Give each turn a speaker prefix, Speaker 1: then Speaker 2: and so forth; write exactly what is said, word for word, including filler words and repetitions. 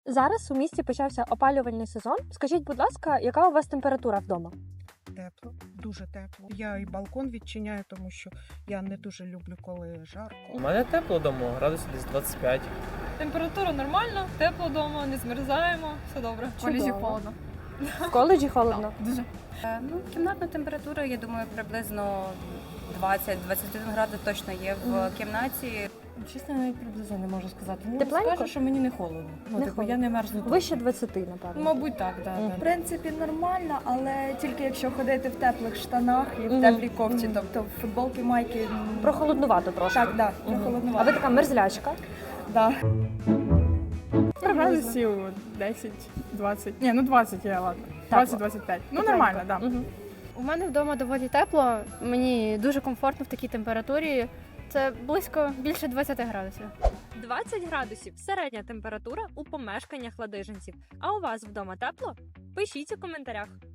Speaker 1: Зараз у місті почався опалювальний сезон. Скажіть, будь ласка, яка у вас температура вдома?
Speaker 2: Тепло, дуже тепло. Я і балкон відчиняю, тому що я не дуже люблю, коли жарко.
Speaker 3: У мене тепло вдома, градусів десь двадцять п'ять.
Speaker 4: Температура нормальна, тепло вдома, не змерзаємо, все добре.
Speaker 1: В коледжі
Speaker 4: холодно.
Speaker 1: В коледжі холодно?
Speaker 4: Дуже.
Speaker 5: Ну, кімнатна температура, я думаю, приблизно двадцять-двадцять один градус точно є в
Speaker 1: Мгм.
Speaker 5: кімнаті.
Speaker 6: Чесно, навіть приблизно не можу сказати. Ну,
Speaker 1: Тепленько?
Speaker 6: скажу, що мені не холодно. Ну,
Speaker 1: Не
Speaker 6: типу,
Speaker 1: холодно.
Speaker 6: я не мерзну.
Speaker 1: Вище двадцяти, напевно.
Speaker 6: Мабуть, так, да,
Speaker 1: Мгм.
Speaker 6: да.
Speaker 7: В принципі, нормально, але тільки якщо ходити в теплих штанах і в
Speaker 1: Мгм.
Speaker 7: теплій кофті,
Speaker 1: Мгм.
Speaker 7: тобто в футболки, майки. м,
Speaker 1: Прохолоднувато трошки.
Speaker 7: Так, да,
Speaker 1: Мгм.
Speaker 7: прохолоднувато.
Speaker 1: А ви така мерзлячка?
Speaker 7: Да.
Speaker 8: Градусів десять-двадцять. Ні, ну двадцять є, ладно. двадцять-двадцять п'ять. Ну, нормально, так. Да.
Speaker 1: Мгм.
Speaker 9: У мене вдома доволі тепло, мені дуже комфортно в такій температурі. Це близько більше двадцяти градусів.
Speaker 1: двадцять градусів – середня температура у помешканнях ладижинців. А у вас вдома тепло? Пишіть у коментарях.